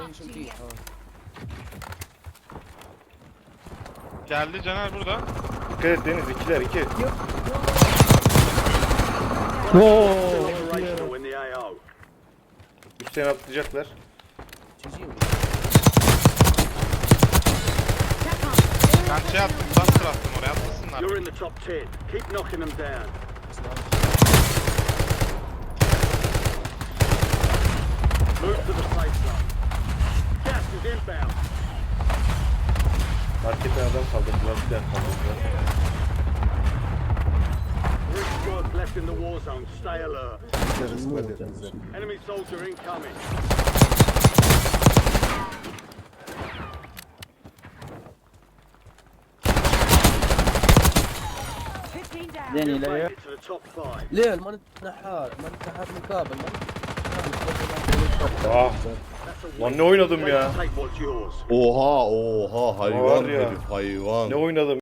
Geldi Caner burada. Dikkat et Deniz, ikiler iki. Operational in the AO. Üstten atlayacaklar. Ben şey attım, buster attım oraya atlasınlar. You're in the top 10. Keep knocking them down. Move to the safe zone. Gas is inbound. Marketten adam kaldırdılar, bir daha kaldırdılar. 3 squads left in the war zone. Stay alert. Enemy soldier incoming. زين Made لا it to the top 5. ليه ما نتنحات من كابل Ah, lan ne oynadım ya? Take what's yours. Oha Var hayvan ya. herif hayvan. Ne oynadım?